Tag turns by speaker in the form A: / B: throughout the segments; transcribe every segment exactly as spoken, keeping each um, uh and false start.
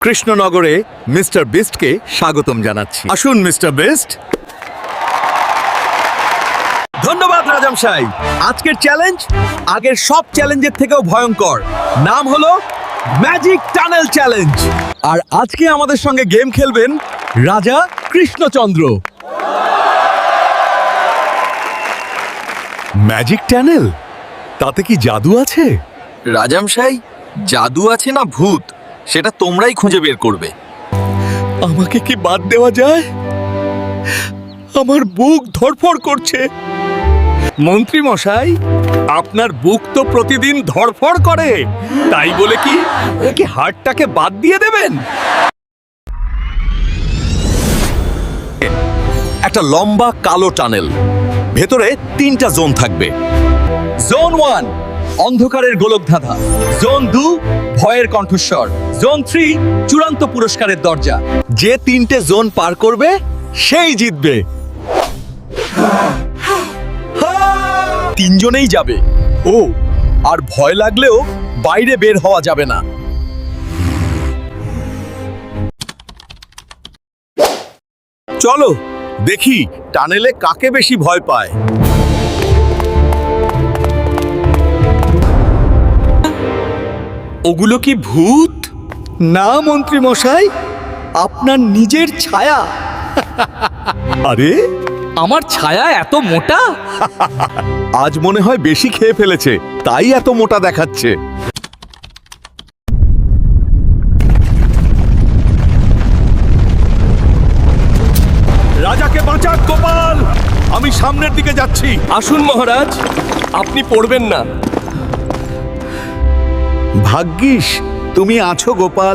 A: কৃষ্ণনগরে মিস্টার বিস্টকে স্বাগতম জানাচ্ছি। আসুন মিস্টার বিস্ট। ধন্যবাদ রাজাম সাই। আজকের চ্যালেঞ্জ আগের সব চ্যালেঞ্জের থেকেও ভয়ঙ্কর। নাম হলো ম্যাজিক টানেল চ্যালেঞ্জ। আর আজকে আমাদের সঙ্গে গেম খেলবেন রাজা কৃষ্ণচন্দ্র। ম্যাজিক টানেল, তাতে কি জাদু আছে?
B: রাজামশাই, জাদু আছে না ভূত সেটা তোমরাই খুঁজে বের করবে।
A: আমাকে কি বাদ দেওয়া যায়? আমার বুক ধড়ফড় করছে। মন্ত্রী মশাই, আপনার বুক তো প্রতিদিন ধড়ফড় করে, তাই বলে কি কি হার্টটাকে বাদ দিয়ে দেবেন? একটা লম্বা কালো টানেল, ভেতরে তিনটা জোন থাকবে। জোন ওয়ান অন্ধকারের গোলকধাঁধা, জোন টু ভয়ের কণ্ঠস্বর, জোন থ্রি চূড়ান্ত পুরস্কারের দরজা। যে তিনটে জোন পার করবে সেই জিতবে। তিনজনেই যাবে। ও, আর ভয় লাগলেও বাইরে বের হওয়া যাবে না। চলো দেখি টানেলে কাকে বেশি ভয় পায়। ওগুলো কি ভূত? না মন্ত্রী মশাই, আপনার নিজের ছায়া। আরে,
B: আমার ছায়া এত মোটা?
A: আজ মনে হয় বেশি খেয়ে ফেলেছে, তাই এত মোটা দেখাচ্ছে। রাজাকে বাঁচাক গোপাল, আমি সামনের দিকে যাচ্ছি।
C: আসুন মহারাজ, আপনি পড়বেন না।
A: ভাগ্যিস তুমি আছো গোপাল।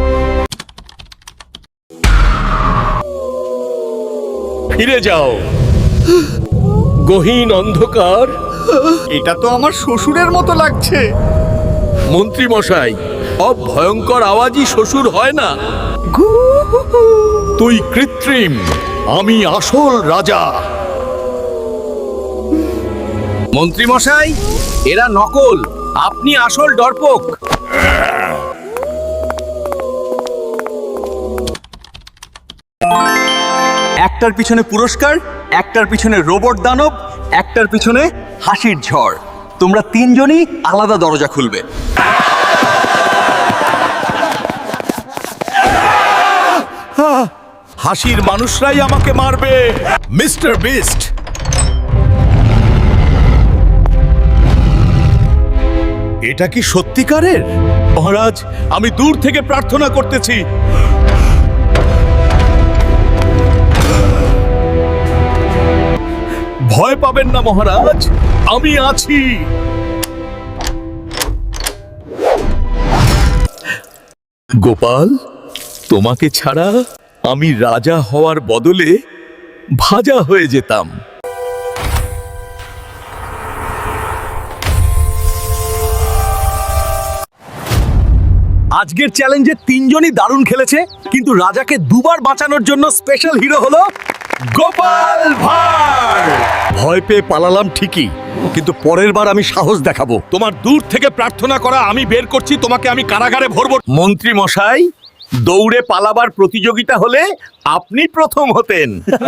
C: ফিরে যাও। গহীন অন্ধকার।
A: এটা তো আমার শ্বশুরের মতো লাগছে।
C: মন্ত্রী মশাই, সব ভয়ঙ্কর আওয়াজই শ্বশুর হয় না।
A: তুই কৃত্রিম, আমি আসল রাজা।
B: মন্ত্রী মশাই, এরা নকল, আপনি আসল ডরপোক।
A: একটার পিছনে পুরস্কার, একটার পিছনে রোবট দানব, একটার পিছনে হাসির ঝড়। তোমরা তিনজনই আলাদা দরজা খুলবে। হাসির মানুষরাই আমাকে মারবে। মিস্টার বিস্ট, এটা কি সত্যিকারের? মহারাজ, আমি দূর থেকে প্রার্থনা করতেছি। ভয় পাবেন না মহারাজ, আমি আছি। গোপাল, তোমাকে ছাড়া আমি রাজা হওয়ার বদলে ভাজা হয়ে যেতাম। আজকের চ্যালেঞ্জে তিনজনই দারুণ খেলেছে, কিন্তু রাজাকে দুবার বাঁচানোর জন্য স্পেশাল হিরো হলো গোপাল ভাঁড়। ভয় পেয়ে পালালাম ঠিকই, কিন্তু পরের বার আমি সাহস দেখাবো। তোমার দূর থেকে প্রার্থনা করা আমি বের করছি, তোমাকে আমি কারাগারে ভরবো। মন্ত্রী মশাই, দৌড়ে পালাবার প্রতিযোগিতা হলে আপনি প্রথম হতেন।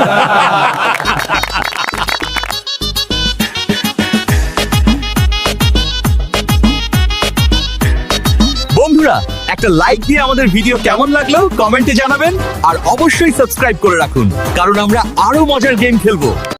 A: বন্ধুরা, একটা লাইক দিয়ে আমাদের ভিডিও কেমন লাগলো কমেন্টে জানাবেন, আর অবশ্যই সাবস্ক্রাইব করে রাখুন, কারণ আমরা আরো মজার গেম খেলবো।